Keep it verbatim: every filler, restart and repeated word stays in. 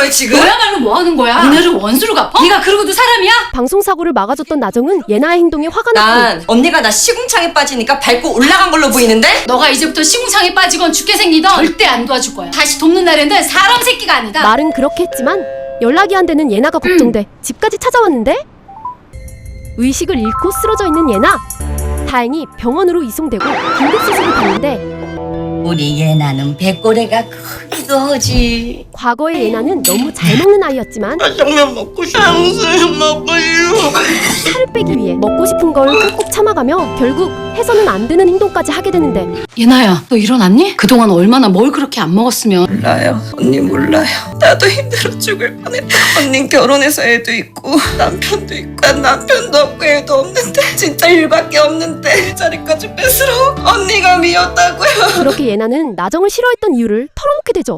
거야 지금? 너야말로 뭐 하는 거야? 니네를 원수로 갚아? 네가 그러고도 사람이야? 방송사고를 막아줬던 나정은 예나의 행동에 화가 났고 난 언니가 나 시궁창에 빠지니까 밟고 올라간 걸로 보이는데? 너가 이제부터 시궁창에 빠지건 죽게 생기던 절대 안 도와줄 거야. 다시 돕는 날에는 사람 새끼가 아니다. 말은 그렇게 했지만 연락이 안 되는 예나가 걱정돼 집까지 찾아왔는데 의식을 잃고 쓰러져 있는 예나. 다행히 병원으로 이송되고 긴급수술을 받는데 우리 예나는 백고래가 크기도 하지. 과거의 예나는 너무 잘 먹는 아이였지만 짜장면 먹고 싶어. 탕수육 먹고 싶어. 살을 빼기 위해 먹고 싶은 걸 꾹꾹 참아가며 결국 해서는 안 되는 행동까지 하게 되는데 예나야, 너 일어났니? 그동안 얼마나 뭘 그렇게 안 먹었으면. 몰라요. 언니 몰라요. 나도 힘들어 죽을 뻔했다. 언닌 결혼해서 애도 있고 남편도 있고 난 남편도 없고 애도 없는데 진짜 일밖에 없는데 일자리까지 뺏으러 언니가 미웠다고요. 그렇게 예나는 나정을 싫어했던 이유를 털어놓게 되죠.